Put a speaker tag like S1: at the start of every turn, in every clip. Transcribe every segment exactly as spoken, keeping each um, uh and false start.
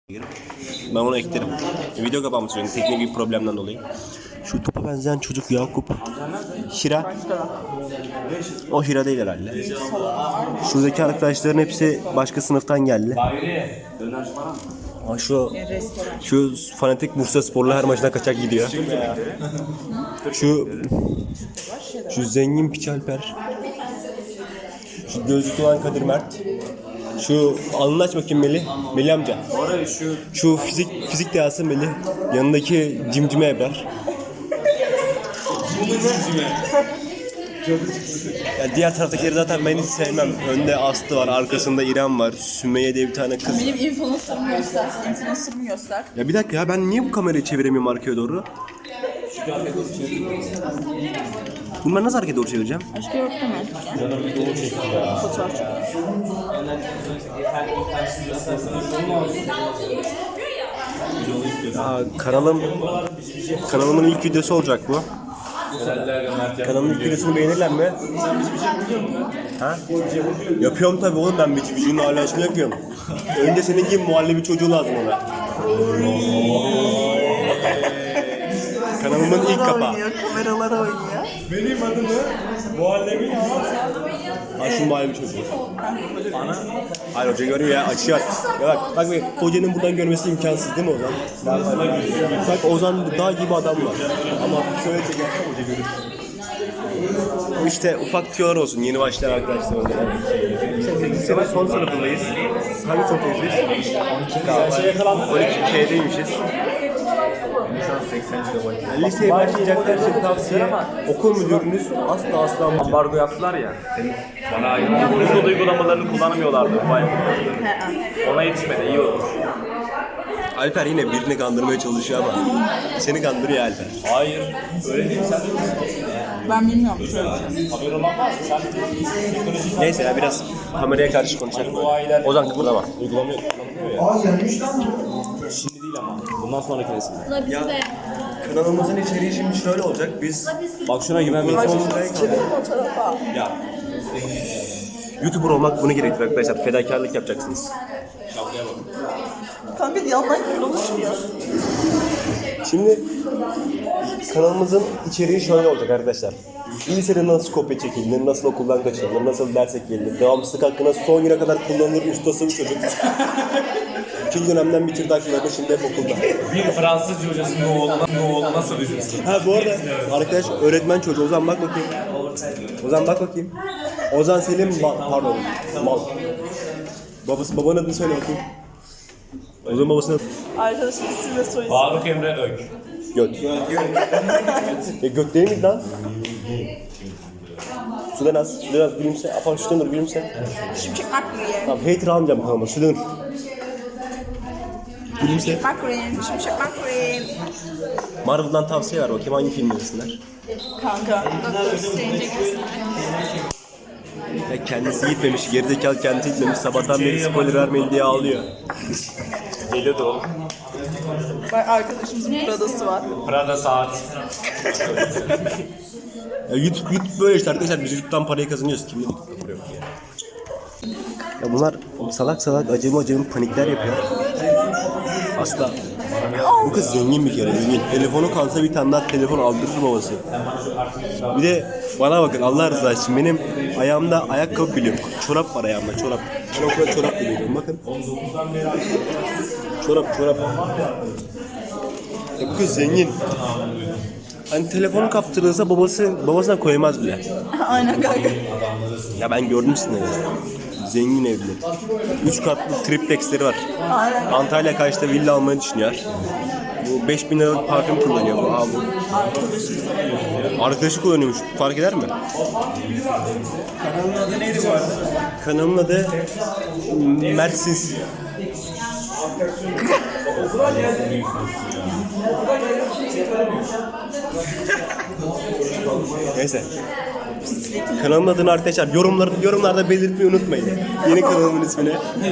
S1: Ben onu eklerim. Video kapanmış çünkü teknik bir problemden dolayı. Şu topa benzeyen çocuk Yakup. Hira. O Hira değil herhalde. Şuradaki arkadaşların hepsi başka sınıftan geldi. Aa, şu şu fanatik Bursa Sporlu her maçına kaçak gidiyor. Şu şu zengin Piç Alper. Şu gözlüklü olan Kadir Mert. Şu alnını aç bakayım Melih. Melih amca. Şu şu fizik fizik dehası Melih. Yanındaki cimcime Ebrar. Ya diğer taraftakileri zaten ben hiç sevmem. Önde Aslı var, arkasında İrem var. Sümeyye diye bir tane kız.
S2: Benim influencer'ımı göster. Influencer'ımı göster.
S1: Ya bir dakika ya, ben niye bu kamerayı çeviremiyorum arkaya doğru? Bunları nasıl arkaya doğru çevireceğim?
S2: Başka yok değil mi? Fotoğraf çekiyor.
S1: Aa, kanalım kanalımın ilk videosu olacak bu. Kanalımın ilk videosunu beğenirler mi? Ha? Yapıyorum tabii oğlum, ben bici bicinin alasını yapıyorum. Önce senin gibi muhallebi çocuğu lazım ona. Kanalımın ilk kapağı.
S2: Kameralara oynuyor.
S1: Benim adımı muhallebi Ha şu muhallebi çocuğu. Hayır hoca görüyor ya, açıyor. Ya bak bak bak, hocanın buradan görmesi imkansız değil mi Ozan? Bak Ozan dağ gibi adam var. Ama şöyle çekersen hoca görür. O işte ufak tüyolar olsun yeni başlayan arkadaşlar. İşte sekizinci sene son sınıfındayız. Hangi sınıftayız biz? on iki K'deymişiz. Yani liseye başlayacaklar için tavsiye, okul müdürünüz asla asla
S3: ambargo yaptılar ya. Bana ait. Google uygulamalarını kullanamıyorlardı. Ona yetişmedi. İyi olur.
S1: Alper yine birini kandırmaya çalışıyor ama seni kandırıyor Alper.
S3: Hayır. Öyle değil. Sen
S2: Ben bilmiyorum. Şöyle.
S3: haber olan var mı? Sen
S1: Neyse ya, biraz kameraya karşı konuşalım. Ozan kıpırdama.
S3: uygulamıyor. Kullanılmıyor ya. Şimdi değil ama. Bundan sonraki nesilde.
S1: Ya kanalımızın içeriği şimdi şöyle olacak. Biz
S3: Bak şuna güvenmeyin.
S1: ya YouTuber olmak bunu gerektirir arkadaşlar. Fedakarlık yapacaksınız.
S2: Kanka yandan konuşmuyor.
S1: Şimdi kanalımızın içeriği şöyle olacak arkadaşlar. Lisede nasıl kopya çekilir, nasıl okuldan kaçırılır, nasıl ders eklenir, devamsızlık hakkında son güne kadar kullanılır ustası bir çocuk. İkinci dönemden bitirdi aklımda, şimdi hep okulda.
S3: Bir Fransızca hocasının oğluna, oğlu nasıl düşünsün?
S1: Ha bu arada arkadaş öğretmen çocuğu. Ozan bak bakayım. Ozan bak bakayım. Ozan Selim ba- pardon mal. Babası babanın adını söyle bakayım. Ozan babasının adı
S2: Arkadaşım isim ve soy isim.
S3: Faruk Emre Ök.
S1: Göt. Ya göt değil miydi lan? Sudan az, sudan az gülümse. Apan şuradan dur gülümse.
S2: Şimşek McQueen.
S1: Tamam hater almayacağım kanalıma, sudan dur. Gülümse.
S2: McQueen. Şimşek McQueen.
S1: Marvel'dan tavsiye ver bakayım, hangi film izlesinler?
S2: Kanka. Doctor Strange'e gitsin.
S1: Ya kendisi gitmemiş, gerizekalı kendisi gitmemiş. Sabahtan beri spoiler vermeyin diye ağlıyor.
S3: Geliyordu oğlum.
S2: Bak arkadaşımızın Prada'sı var.
S3: Prada saat.
S1: Ya YouTube, YouTube böyle işte arkadaşlar, biz YouTube'dan parayı kazanıyoruz. Kimde YouTube'da para yok ya. Ya bunlar salak salak acemi acemi panikler yapıyor. Asla. Bu kız zengin bir kere, zengin. Telefonu kalsa bir tane daha telefon aldırır babası. Bir de bana bakın Allah rızası için, benim ayağımda ayakkabı bile yok. Çorap var ayağımda, çorap. Ben okula çorap biliyorum bakın. Çorap, çorap. Ya bu kız zengin. Hani telefonu kaptırırsa babası babasına koymaz bile.
S2: Aynen kanka.
S1: Ya ben gördüm sizinle. Zengin evli. Üç katlı triplexleri var.
S2: Aynen.
S1: Antalya Kaş'ta villa almayı düşünüyor. Bu beş bin liralık parfüm kullanıyor bu abi. Arkadaşı kullanıyormuş. Fark eder mi?
S3: Kanalın adı neydi bu arada?
S1: Kanalın adı Mertsiz. Neyse. Kanalın adını arkadaşlar yorumlarda yorumlarda belirtmeyi unutmayın. Yeni kanalımın ismini.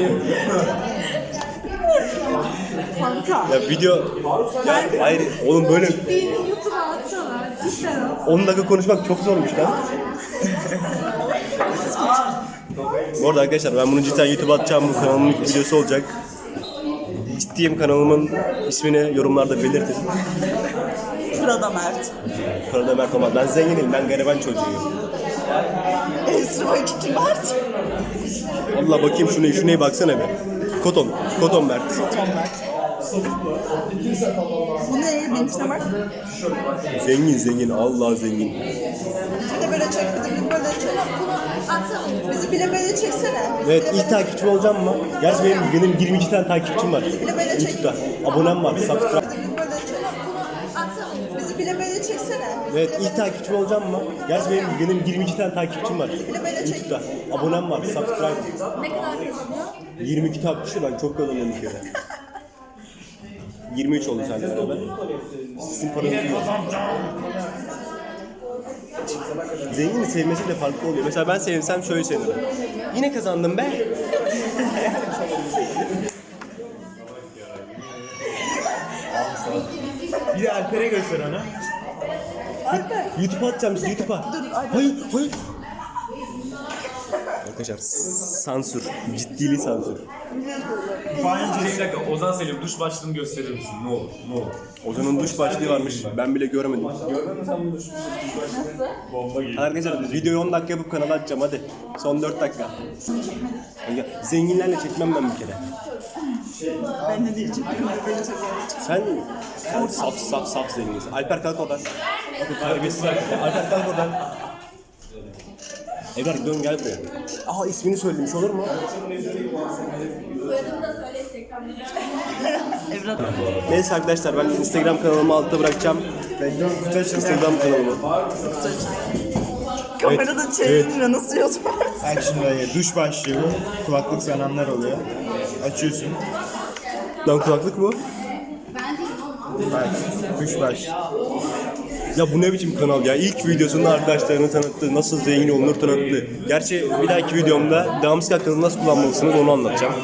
S2: Kanka.
S1: Ya video ya hayır oğlum böyle
S2: YouTube'a atsana.
S1: on dakika konuşmak çok zormuş lan. Bu arada arkadaşlar ben bunu cidden YouTube'a atacağım, bu kanalımın ilk videosu olacak. ciddiyim, kanalımın ismini yorumlarda belirtin.
S2: Şurada Mert.
S1: Kanalda Mert olmaz. Ben zenginim, ben gariban çocuğuyum.
S2: Esra iki Mert.
S1: Allah bakayım şuna, şuna baksana be. Koton, Koton Mert.
S2: Tom Mert. Bu ne? Benimkine bak.
S1: Zengin zengin, Allah zengin.
S2: Bir de böyle çek, bir de bir böyle çek. Bizi bile böyle çeksene.
S1: Evet, ilk takipçim olacağım mı? Gerçi benim, benim yirmi iki tane takipçim var. YouTube'da. Abonem var, subscribe.
S2: Bir de böyle çek. Bizi bile böyle çeksene.
S1: Evet, ilk takipçim olacağım mı? Gerçi benim, benim yirmi iki tane takipçim var. YouTube'da. Abonem var, subscribe.
S4: Ne kadar kazanıyor?
S1: yirmi iki takipçi, ben çok kazanıyorum bir kere. yirmi üç oldu seninle beraber. Sizin paranızı yiyor. Zengini sevmesi de farklı oluyor. Mesela ben sevsem şöyle sevinirim. Yine kazandım be.
S5: Bir de Alper'e göster onu.
S2: Alper.
S1: YouTube'a atacağım size, YouTube'a. Hayır, hayır. Arkadaşlar sansür, ciddili sansür.
S3: Bir dakika, Ozan Selim duş başlığını gösterir misin? Ne olur, ne olur.
S1: Ozan'ın duş başlığı varmış, ben bile görmedim.
S3: Gördün mü sen bu duş Bomba gibi.
S1: Arkadaşlar videoyu on dakika yapıp kanala atacağım hadi. Son dört dakika. Ya, zenginlerle çekmem ben bir kere.
S2: Ben de diyeceğim. Böyle çekiyorum.
S1: Sen, sen saf saf saf zenginsin. Alper kalk oradan. Terbiyesiz Alper. Alper kalk oradan. Ebrar dön gel buraya. Aa ismini söylemiş olur mu?
S4: Soyadımı da söyle Instagram'da.
S2: Evlat.
S1: Neyse arkadaşlar ben Instagram kanalımı altta bırakacağım. Instagram kanalımı.
S2: Kamerada çevirince nasıl yazıyor?
S5: Bak şimdi duş başlıyor. Kulaklık sananlar oluyor. Açıyorsun.
S1: Lan kulaklık mı?
S5: Bak duş baş.
S1: Ya bu ne biçim kanal ya? İlk videosunda arkadaşlarını tanıttı, nasıl zengin olunur tanıttı. Gerçi bir dahaki videomda devamsız hakkında nasıl kullanmalısınız onu anlatacağım.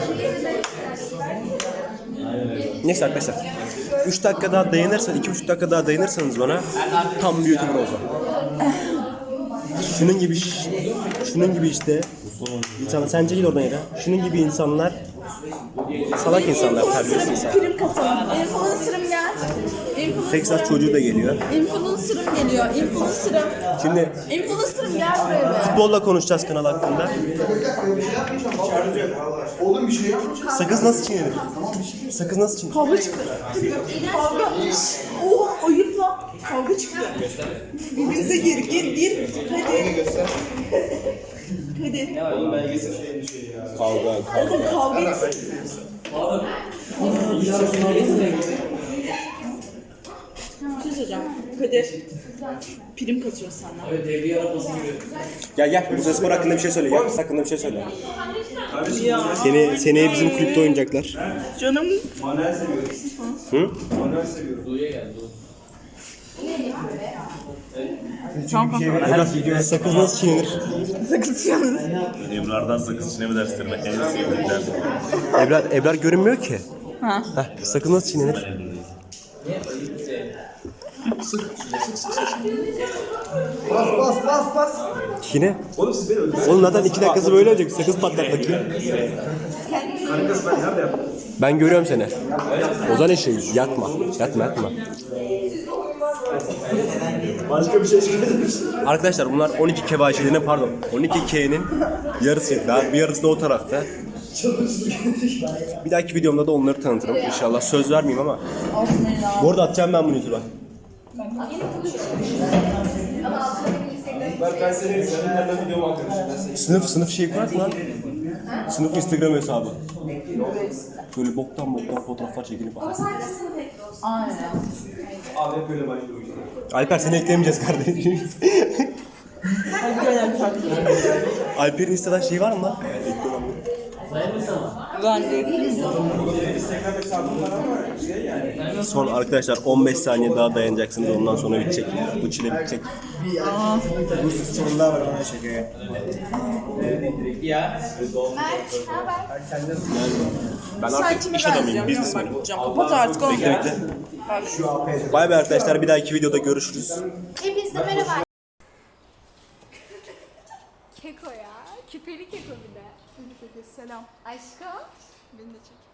S1: Neyse arkadaşlar. üç dakika daha dayanırsanız, iki buçuk dakika daha dayanırsanız bana tam bir YouTuber olacağım. Şunun gibi, şunun gibi işte insan, sence gel oradan yere. Şunun gibi insanlar salak insanlar, terbiyesiz insanlar.
S4: Prim kasalım. Influencer'ım gel. Influencer-
S1: Texas çocuğu da geliyor.
S4: Influencer'ım geliyor. Influencer'ım.
S1: Şimdi
S4: Influencer'ım gel buraya be.
S1: futbolla konuşacağız kanal hakkında. Sakız nasıl çiğnenir? Sakız nasıl çiğnenir?
S2: Kavga çıktı. Kavga. Oha ayıp lan. Kavga çıktı. Birbirinize gir gir gir. Hadi. Hadi.
S1: Kavga, kavga.
S2: Oğlum kavga etsin. Bir şey söyleyeceğim. Kadir. Prim kasıyor senden.
S1: Gel gel, Bursaspor hakkında bir şey söyle. Gel, hakkında bir şey söyle. Seni, seneye bizim kulüpte oynayacaklar.
S2: Canım.
S1: Hı? Ebrar, sakız nasıl çiğnenir?
S2: Sakız yanır.
S3: Ebrar'dan sakız içine mi derslerim? En sevdiğim dersim.
S1: Ebrar, Ebrar görünmüyor ki.
S2: Ha.
S1: Heh, sakız nasıl çiğnenir?
S5: Bas bas bas bas.
S1: Yine. Oğlum zaten iki dakikası böyle olacak. Sakız patlat bakayım. Ben görüyorum seni. Ozan eşeği. Yatma. Yatma yatma.
S5: Başka bir şey söylemiş.
S1: Arkadaşlar bunlar on iki K bahçelerinin pardon on iki K'nin yarısı. Daha bir yarısı da o tarafta. Bir dahaki videomda da onları tanıtırım inşallah. Söz vermeyeyim ama. Bu arada atacağım ben bunu YouTube'a.
S3: Ben senin seninle videomu arkadaşım.
S1: Sınıf sınıf şey kurar lan. Sınıf Instagram hesabı. Böyle boktan boktan fotoğraflar çekilip bak.
S3: Abi hep böyle başlıyor işte.
S1: Alper seni eklemeyeceğiz kardeşim.
S2: Hadi gel Alper.
S1: Alper'in Instagram şeyi var mı lan?
S2: Ben de.
S1: Son arkadaşlar on beş saniye daha dayanacaksınız ondan sonra bitecek. Bu çile bitecek.
S5: Bu sorular var ona şakaya.
S1: Ben
S2: Sen
S1: artık
S2: kime
S1: iş adamıyım,
S2: benziyorsun?
S1: biznesmenim.
S2: Bakacağım. Kapat artık oğlum.
S1: Bekle bekle. Bay bay arkadaşlar, bir dahaki videoda görüşürüz.
S4: Hepinize merhaba. Keko ya. Küpeli keko bir de.
S2: Selam.
S4: Aşkım.
S2: Beni de çek.